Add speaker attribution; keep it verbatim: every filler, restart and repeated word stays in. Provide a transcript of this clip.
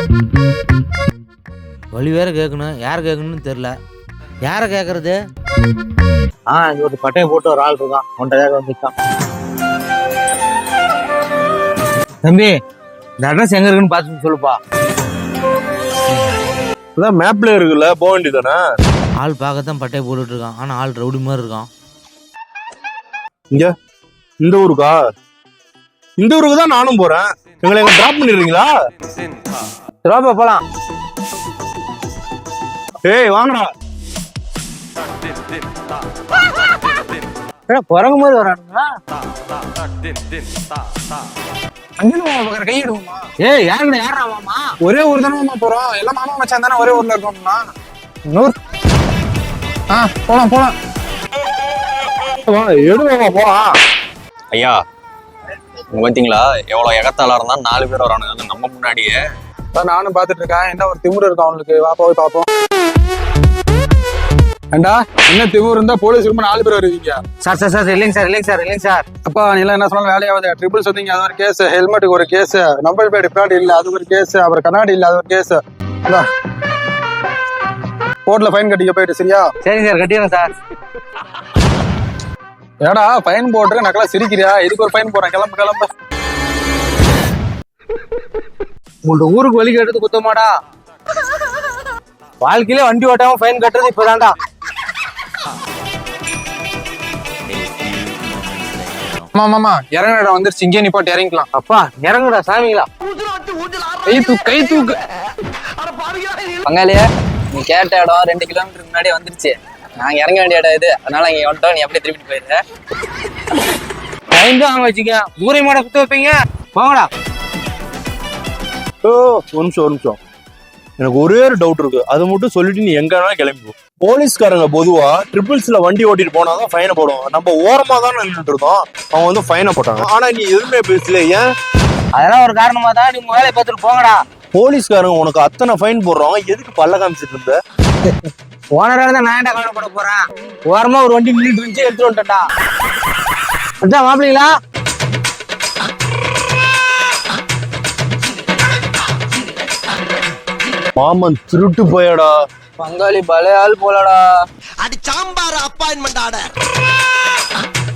Speaker 1: வழி வேற கேட்கணும், யார் கேட்கணும்னு தெரியல. யாரை கேட்கறது?
Speaker 2: ஆ இங்க ஒரு பட்டையை போட்டு ஒரு ஆள் இருக்கான், ஒன்றரை வந்துட்டான்.
Speaker 1: தம்பி, இந்த அட்ரஸ் எங்க இருக்குன்னு பார்த்து சொல்லுப்பா.
Speaker 3: அதான் மேப்ல இருக்குல்ல, போக வேண்டியதானே.
Speaker 1: ஆள் பார்க்கத்தான் பட்டையை போட்டுட்டு இருக்கான், ஆனா ஆள் ரவுடி மாதிரி இருக்கான்.
Speaker 3: இங்க இந்த ஊருக்கா? இந்த ஊருக்கு தான் நானும் போறேன். எங்களை எங்க டிராப் பண்ணிடுறீங்களா?
Speaker 2: ரோபா போலாம்.
Speaker 3: ஏய் வாங்கடா.
Speaker 2: குரங்கு மாதிரி வரானுங்களா? கையிடுவோமா?
Speaker 1: ஏய் யாருங்க யாரா மாமா?
Speaker 2: ஒரே ஊர் தானே மாமா போறோம், எல்லாம் மாமா மச்சான் தானே, ஒரே ஊர்ல இருக்கோம்னா நூறு. ஆ போலாம் போலாம்.
Speaker 3: எடுவாங்க போலாம்.
Speaker 4: ஐயா பார்த்தீங்களா எவ்வளவு எகத்தாளா இருந்தா நாலு பேர் வரானுங்க நம்ம முன்னாடியே.
Speaker 2: நானும் பாத்துட்டு இருக்கேன், என்ன ஒரு திமுரு இருக்கு அவனுக்கு. வா போய் பாப்போம். ஏண்டா என்ன திமுரு இருந்தா போலீஸ் ரொம்ப நாலு பேர் வருவீங்க.
Speaker 1: சார் சார் சார் இல்லைங்க சார் இல்லைங்க சார் இல்லைங்க சார்.
Speaker 2: அப்பா நீ எல்லாம் என்ன சொன்னாலும் வேலையாவது. ட்ரிபிள்ஸ் வந்தீங்க அது ஒரு கேஸ், ஹெல்மெட்டுக்கு ஒரு கேஸ், நம்பர் பிளேட் பிராட் இல்ல அது ஒரு கேஸ், அப்புறம் கண்ணாடி இல்ல அது ஒரு கேஸ். கோர்ட்ல ஃபைன் கட்டிக்க போயிட்டு. சரியா?
Speaker 1: சரிங்க சார், கட்டிடுறேன் சார்.
Speaker 2: ஏடா ஃபைன் போட்டு நக்கலா சிரிக்கிறியா? இதுக்கு ஒரு ஃபைன் போறேன், கிளம்பு கிளம்பு.
Speaker 1: உங்கள்ட்ட ஊருக்கு வழி கேட்டது குத்தமாடா? வாழ்க்கையில வண்டி ஓட்டாம ஃபைன் கட்டுறது இப்பதான்டா.
Speaker 2: ஆமா மாமா இறங்குற இடம் வந்துருச்சு, இங்கே நீ போட்டு இறங்கிக்கலாம்.
Speaker 1: அப்பா இறங்குடா சாமிங்களா.
Speaker 2: கை தூக்கு கை தூக்கு.
Speaker 5: பங்காளியா நீ கேட்ட இடம் ரெண்டு கிலோமீட்டருக்கு முன்னாடியே வந்துருச்சு. நாங்க இறங்க வேண்டிய இடம் இது, அதனால இங்க வந்துட்டோம். நீ அப்படியே திருப்பிட்டு போயிருக்க.
Speaker 1: ஃபைன் தான் வாங்க வச்சுக்க, ஊரை மாட குத்த வைப்பீங்க. போங்கடா.
Speaker 3: ஓ ஒரு நிமிஷம் ஒரு நிமிஷம், எனக்கு ஒரே ஒரு டவுட் இருக்கு, அதை மட்டும் சொல்லிட்டு நீ எங்கன்னா கிளம்பி. போலீஸ்காரங்க பொதுவா ட்ரிபிள்ஸ்ல வண்டி ஓட்டிட்டு போனாதான் ஃபைனை போடுவோம். நம்ம ஓரமா தான் நின்றுட்டு இருக்கோம், அவங்க வந்து ஃபைனை போட்டாங்க. ஆனா நீ எதுவுமே பேசல, ஏன்?
Speaker 1: அதெல்லாம் ஒரு காரணமா தான். நீங்க வேலையை பார்த்துட்டு போங்கடா.
Speaker 3: போலீஸ்காரங்க உனக்கு அத்தனை ஃபைன் போடுறோம், எதுக்கு பல்ல காமிச்சிட்டு இருந்த?
Speaker 1: ஓனராக தான் நான் என்ன கவலைப்பட போறேன். ஓரமா ஒரு வண்டி நின்றுட்டு இருந்துச்சு, எடுத்துட்டு வந்துட்டா. அதான் மாப்பிள்ளீங்களா?
Speaker 3: மாமன் திருட்டு போயடா.
Speaker 5: பங்காளி பழைய ஆள் போலடா.
Speaker 6: அடி சாம்பார் அப்பாயின்மெண்ட் ஆர்டர்.